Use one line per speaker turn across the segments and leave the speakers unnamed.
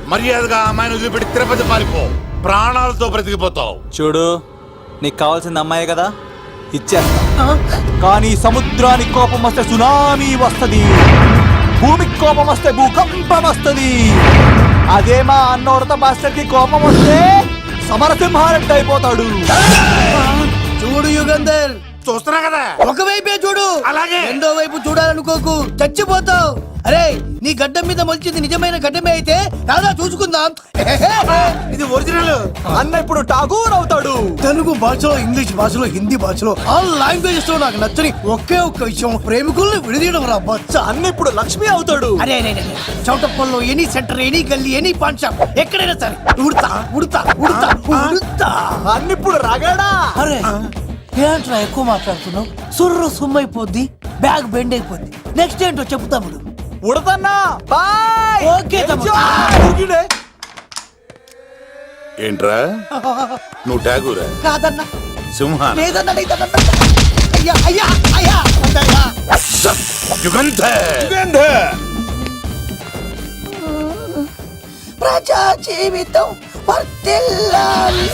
మర్యాదగా అమ్మాయిని వదిలిపెట్టి తిరుపతి పారిపో, ప్రాణాలతో బ్రతికిపోతావు.
చూడు, నీకు కావాల్సింది అమ్మాయి కదా, ఇచ్చేస్తా. కానీ సముద్రానికి కోపం వస్తే సునామీ వస్తది, భూమికి కోపం వస్తే భూకంపం వస్తది. అదే మా అన్నోడత మాస్టర్ కి కోపం వస్తే సమరసింహారెడ్డి అయిపోతాడు.
చూడు యుగంధర్,
చూస్తున్నా కదా,
ఒకవైపే చూడు,
అలాగే
రెండో వైపు చూడాలనుకోకు, చచ్చిపోతావు. అరే, నీ గడ్డం మీద మొలిచింది నిజమైన గడ్డమే అయితే రాదా చూసుకుందాం.
ఇది ఒరిజినల్.
అన్న ఇప్పుడు ఠాగూర్ అవుతాడు.
తెలుగు భాషలో, ఇంగ్లీష్ భాషలో, హిందీ భాషలో ఆల్ లాంగ్వేజెస్ లో నాకు నచ్చని ఒకే ఒక్క విషయం, ప్రేమికుల్ని విడదీయడం రా బచ్చ.
అన్న ఇప్పుడు లక్ష్మి అవుతాడు.
అరే చౌటప్పల్లో ఎనీ సెంటర్, ఎనీ గల్లీ, ఎనీ పాన్ షాప్, ఎక్కడైనా సరే ఉడతా ఉడతా ఉడతా ఉడతా.
అన్న ఇప్పుడు రగడా.
అరే ఏంట్రా ఎక్కువ మాట్లాడుతున్నావు? సుర్రు సుమ్మైపోద్ది, బ్యాగ్ బెండ్ అయిపోద్ది. నెక్స్ట్ ఏంటో చెప్పు తమ్ముడు.
ఉడతన్నా బాయ్.
ఓకే తమ్ముడు.
ఏంట్రా నువ్వు ఠాగూరా?
కాదన్నా,
సింహా?
లేదన్నా, లేదన్నా. అయ్యా అయ్యా అయ్యా
యుగంధర్.
ప్రజా జీవితం వర్ధిల్లాలి.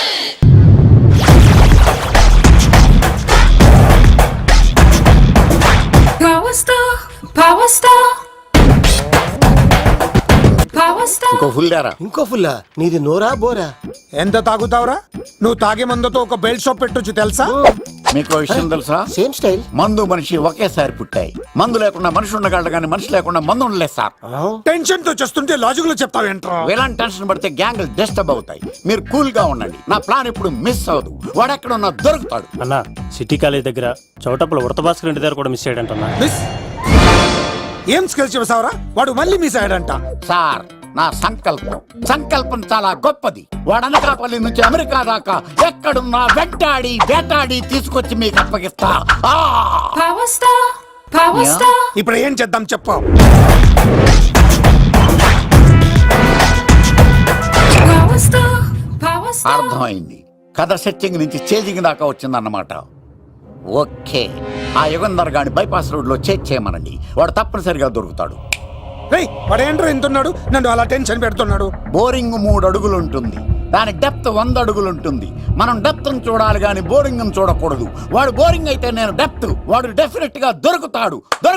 ఇంకో ఫుల్లా? నీది నోరా బోరా?
ఎంత తాగుతావురా? నువ్వు తాగే మందుతో ఒక బెల్ట్ షాప్ పెట్టొచ్చు తెలుసా?
మీకు విషయం తెలుసా?
Same style.
మందు మనిషి ఒకేసారి పుట్టాయి. మందు లేకుండా మనిషి ఉండగలడు కానీ మనిషి లేకుండా మందు ఉండలేదు సార్.
టెన్షన్ తో చేస్తుంటే లాజిక్ లో చెప్తావేంట్రా?
ఇలాంటి టెన్షన్ పడితే గ్యాంగ్లు డిస్టర్బ్ అవుతాయి. మీరు కూల్ గా ఉండండి. నా ప్లాన్ ఇప్పుడు మిస్ అవ్వదు. వాడెక్కడ ఉన్నా దొరుకుతాడు.
అన్నా, సిటీ కాలేజ్ దగ్గర చౌటప్పుల ఉడత భాస్కర్ ఇంటి దగ్గర కూడా మిస్ అయ్యాడంటన్నా.
మిస్ ఏం స్కిల్స్ చెప్పావురా? వాడు మళ్ళీ మిస్ అయ్యాడంట.
సార్, నా సంకల్పం చాలా గొప్పది. వాడు అనకాపల్లి నుంచి అమెరికా దాకా ఎక్కడున్నా వెంటాడి వేటాడి తీసుకొచ్చి మీకు అప్పగిస్తా.
ఇప్పుడు ఏం చేద్దాం చెప్పు.
అర్థమైంది. కథ సెట్టింగ్ నుంచి చేజింగ్ దాకా వచ్చిందన్నమాట. ఓకే, ఆ యుగంధర్ గాని బైపాస్ రోడ్ లో చేయమనండి. వాడు తప్పనిసరిగా దొరుకుతాడు.
వాడేంట్రా ఎంతున్నాడు? నన్ను అలా టెన్షన్ పెడుతున్నాడు.
బోరింగ్ 3 అడుగులు ఉంటుంది, దాని డెప్త్ 100 అడుగులు ఉంటుంది. మనం డెప్త్ చూడాలి గాని బోరింగ్ చూడకూడదు. వాడు బోరింగ్ అయితే నేను డెప్త్. వాడు డెఫినెట్ గా దొరుకుతాడు.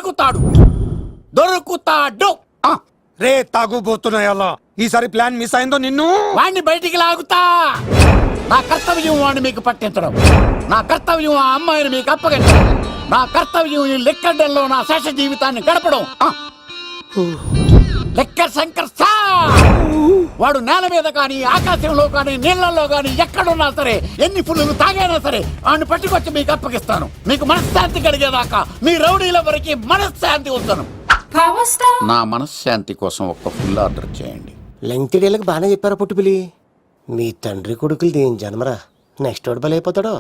రే తాగుబోతున్నాయా? ఈసారి ప్లాన్ మిస్ అయిందో నిన్ను
వాడిని బయటికి లాగుతా. నా కర్తవ్యం వాడిని మీకు పట్టించడం. నా కర్తవ్యం ఆ అమ్మాయిని మీకు అప్పగించడం. నా కర్తవ్యం ఈ లెక్కడ్డల్లో నా శేష జీవితాన్ని గడపడం. లెక్క శంకర్ సార్, వాడు నేల మీద కానీ ఆకాశంలో కానీ నీళ్లలో కానీ ఎక్కడున్నా సరే, ఎన్ని ఫుల్లు తాగైనా సరే వాడిని పట్టుకొచ్చి మీకు అప్పగిస్తాను. మీకు మనశ్శాంతి కలిగేదాకా మీ రౌడీల వరకు మనశ్శాంతి ఉంచను. నా మనశ్శాంతి కోసం ఒక్క ఫుల్ ఆర్డర్ చేయండి.
లెంగ్త్ డేలకు బాగానే చెప్పారా పుట్టుపిలి? మీ తండ్రి కొడుకులు దేని జన్మరా? నెక్స్ట్ వాడు బలైపోతాడో.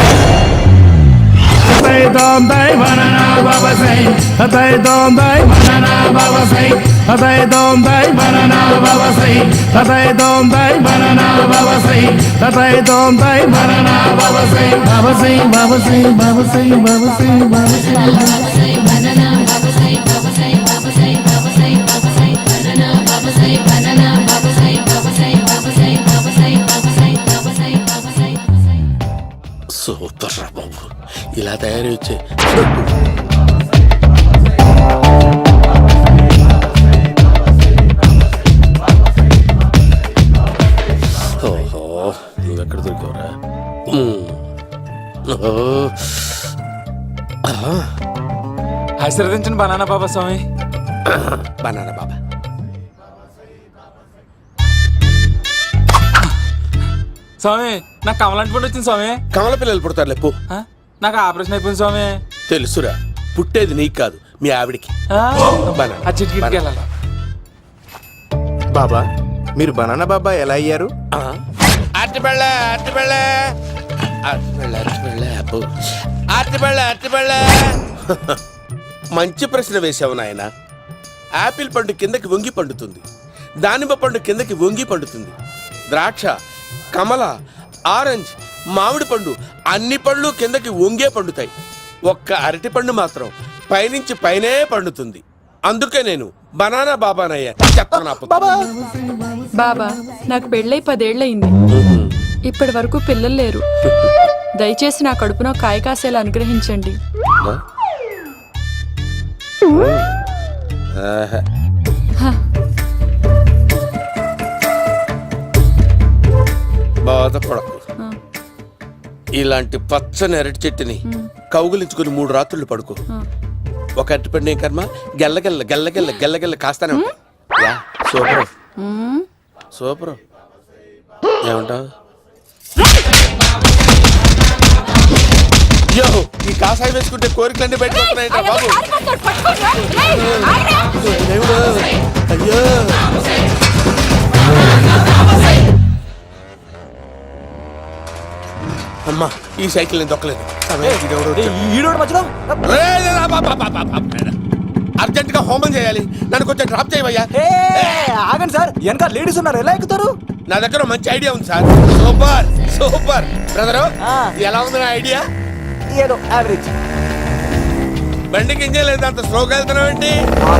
సూపర్ రా బాబు, ఇలా తయారు వచ్చే. ఓహో, నువ్వెక్కడ దొరికావురా?
ఆశీర్వదించండి బనానా బాబా స్వామి.
బనానా బాబా.
స్వామి, నాకు కమలాంటి పుట్టి వచ్చింది స్వామి.
కమల పిల్లలు పుడతారు లేపు.
నాకు ఆపరేషన్ అయిపోయింది స్వామి.
తెలుసురా, పుట్టేది నీకు కాదు మీ ఆవిడికి.
బాబా, మీరు బనానా బాబా ఎలా అయ్యారు?
మంచి ప్రశ్న వేశావు నాయన. ఆపిల్ పండు కిందకి వంగి పండుతుంది, దానిమ్మ పండు కిందకి వంగి పండుతుంది, ద్రాక్ష, కమల, ఆరెంజ్, మామిడి పండు అన్ని పళ్ళు కిందకి వంగే పండుతాయి. ఒక్క అరటి పండు మాత్రం పైనుంచి పైనే పండుతుంది. అందుకే నేను బనానా బాబానయ్యా చెప్తున్నా
బాబా నాకు పెళ్ళై 10 ఏళ్ళయింది. ఇప్పటి వరకు పిల్లలు లేరు. దయచేసి నా కడుపున కాయ కాసేలా అనుగ్రహించండి.
బాధపడకు. ఇలాంటి పచ్చని అరటి చెట్టుని కౌగులించుకుని 3 రాత్రులు పడుకో. ఒక అరటిపండు ఏం కర్మ గెల్లగెల్ల గెల్లగెల్ల గెల్లగెల్ల కాస్తానే ఉంటాయి. Yeah, super super. ఏమంటావు? యో, ఈ కాసాయి వేసుకుంటే కోరికలన్నీ బయటకు వస్తున్నాయంట బాబు. దేవుడు, అయ్యో. అమ్మా, ఈ సైకిల్ నేను దొక్కలేదు. అర్జెంట్ గా హోమం చేయాలి. నన్ను కొంచెం డ్రాప్ చేయవయ్యా.
ఆగండి సార్, వెనక లేడీస్ ఉన్నారు, ఎలా ఎక్కుతారు?
నా దగ్గర మంచి ఐడియా ఉంది సార్. Super super. బ్రదరు, ఎలా ఉంది నా ఐడియా?
ఏదో యావరేజ్.
బండికి ఇంజన్ లేదు, అంత స్లోగా వెళ్తున్నావు ఏంటి?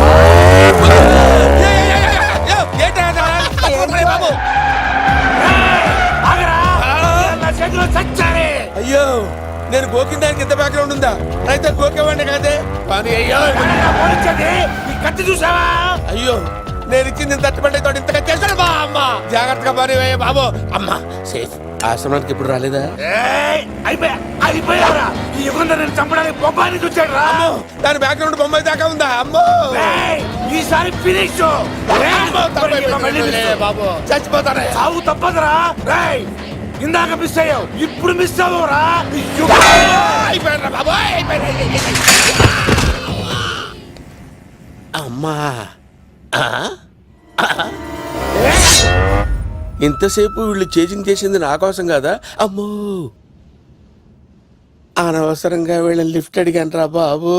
అయ్యో, నేను గోకిన దానికి ఇంత బ్యాక్గ్రౌండ్ ఉందా? అయితే గోకేవాడిని కాదే. కానీ అయ్యో కత్తి చూసావా? అయ్యో, నేను ఇచ్చింది తట్టుబడి తోటి ఇంతగా చేశాను. బా అమ్మ, జాగ్రత్తగా పని బాబు. అమ్మ సేఫ్. ఆశ్రమానికి ఇప్పుడు రాలేదా?
అయిపోయారా? ఈ యుగంలో నేను చంపడానికి బొమ్మాయిని చూచాడు రా.
దాని బ్యాక్గ్రౌండ్ బొమ్మాయి దాకా ఉందా? అమ్మో,
ఈసారి ఫినిష్.
బాబు చచ్చిపోతానే.
సాగు తప్పదురా. ఇందాక మిస్ అయ్యావు, ఇప్పుడు మిస్ అవ్వరా.
అమ్మా, ఇంతసేపు వీళ్ళు చేజింగ్ చేసింది నా కోసం కదా. అమ్మో, అనవసరంగా వీళ్ళని లిఫ్ట్ అడిగాను రా బాబు.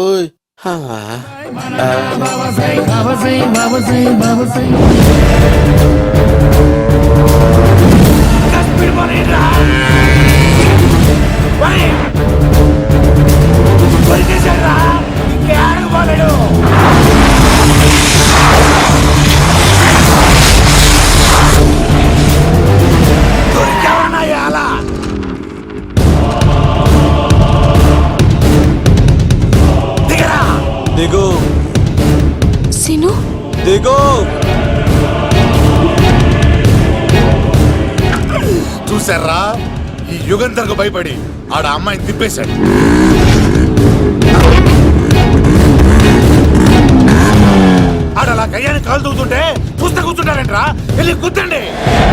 దిగు
సిను,
దిగు.
చూసారా, ఈ యుగంధర్కు భయపడి ఆడ అమ్మాయిని తిప్పేశాడు. ఆడ అలా కయ్యాన్ని కాలు తూగుతుంటే చూస్తే కూర్చుంటారంట్రా. వెళ్ళి కూర్చోండి.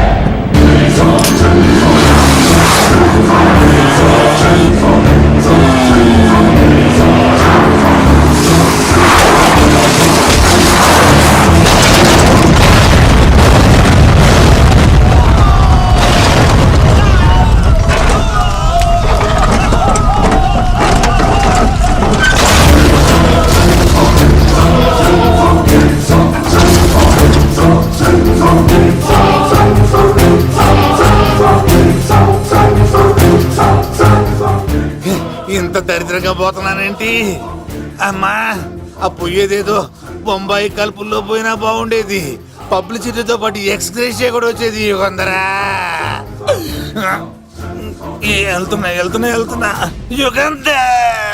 ఇంత దరిద్రంగా పోతున్నానేంటి? అమ్మా, ఆ పోయేదేదో బొంబాయి కలుపుల్లో పోయినా బాగుండేది. పబ్లిసిటీతో పాటు ఎక్స్గ్రేషియా కూడా వచ్చేది. యుగంధరా, వెళ్తున్నా యుగంధర్.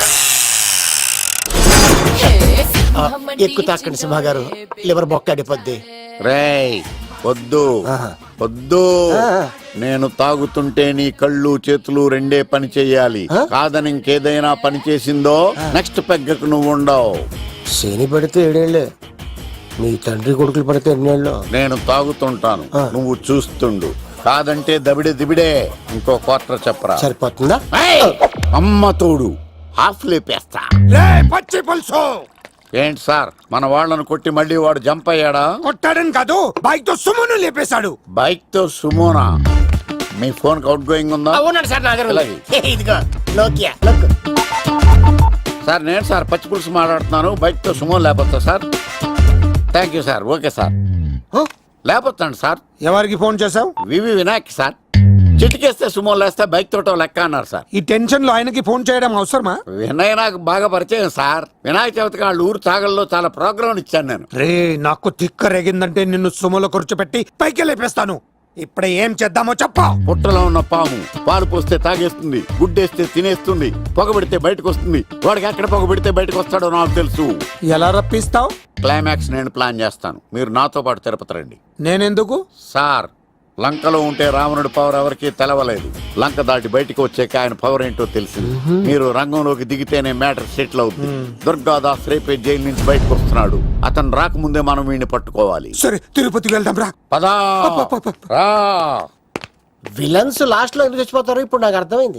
ఎక్కు తాకండి సింహ గారు, లివర్ బొక్క అడిపోద్ది.
రేయ్, వద్దు వద్దు. నేను తాగుతుంటే నీ కళ్ళు చేతులు రెండే పని చెయ్యాలి. కాదని ఇంకేదైనా పని చేసిందో నెక్స్ట్ పెగ్గకు నువ్వు ఉండవు.
శని పడితే 7 ఏళ్ళే, మీ తండ్రి కొడుకులు పడితే 8 ఏళ్ళు.
నేను తాగుతుంటాను, నువ్వు చూస్తుండు. కాదంటే దబిడే దిబిడే. ఇంకో క్వార్టర్ చెప్పరా?
సరిపోతుందా?
అమ్మ తోడు హాఫ్ లేపేస్తా.
పచ్చి పులుసు.
ఏంటి సార్, మన వాళ్ళను కొట్టి మళ్ళీ వాడు జంప్ అయ్యాడా?
కొట్టాడని కాదు, బైక్ తో సుమను లేపేశాడు.
బైక్ తో సుమోనా? మీ ఫోన్ అవుట్ గోయింగ్ ఉందా?
ఉన్నాడు సార్ నా దగ్గర.
ఇలాగే.
ఇదిగో నోకియా. లోక్.
సార్ నేను సార్ పచ్చి పులుసు మాట్లాడుతున్నాను. బైక్ తో సుమో లేపొచ్చా sir? Thank you sir. Okay sir, లేపొచ్చండి సార్.
ఎవరికి ఫోన్ చేసావు?
V V Vinayak sir. చిటికేస్తే సుమో లేస్తే బైక్ తోటో లెక్క అన్నారు సార్.
ఈ టెన్షన్ లో ఆయనకి ఫోన్ చేయడం అవసరమా?
వినయ్ నాకు బాగా పరిచయం సార్. వినాయక చవితికి వాళ్ళ ఊరు చాగల్లో చాలా ప్రోగ్రాం ఇచ్చాను నేను.
రే నాకు తిక్క రేగిందంటే నిన్ను సుమోలో కూర్చోబెట్టి పైకి లేపేస్తాను. ఇప్పుడు ఏం చేద్దామో చెప్పా.
పుట్టలో ఉన్న పాము పాలు పోస్తే తాగేస్తుంది, గుడ్డేస్తే తినేస్తుంది, పొగబెడితే బయటకు వస్తుంది. వాడికి ఎక్కడ పొగబెడితే బయటకు వస్తాడో నాకు తెలుసు.
ఎలా రప్పిస్తావు?
క్లైమాక్స్ నేను ప్లాన్ చేస్తాను, మీరు నాతో పాటు తిరుపతి రండి.
నేనెందుకు?
సార్, లంకలో ఉంటే రావణుడి పవర్ ఎవరికి తెలవలేదు. లంక దాటి బయటికి వచ్చాక ఆయన పవర్ ఏంటో తెలిసింది. మీరు రంగంలోకి దిగితేనే మ్యాటర్ సెటిల్ అవుతుంది. దుర్గాదాస్ రేపే జైలు నుంచి బయటకు వస్తున్నాడు. అతను రాకముందే మనం వీడిని పట్టుకోవాలి.
సరే తిరుపతికి వెళ్దాం రా.
పదా రా.
విలన్స్ లాస్ట్ లో ఎందుకు చచ్చిపోతారు ఇప్పుడు నాకు అర్థమైంది.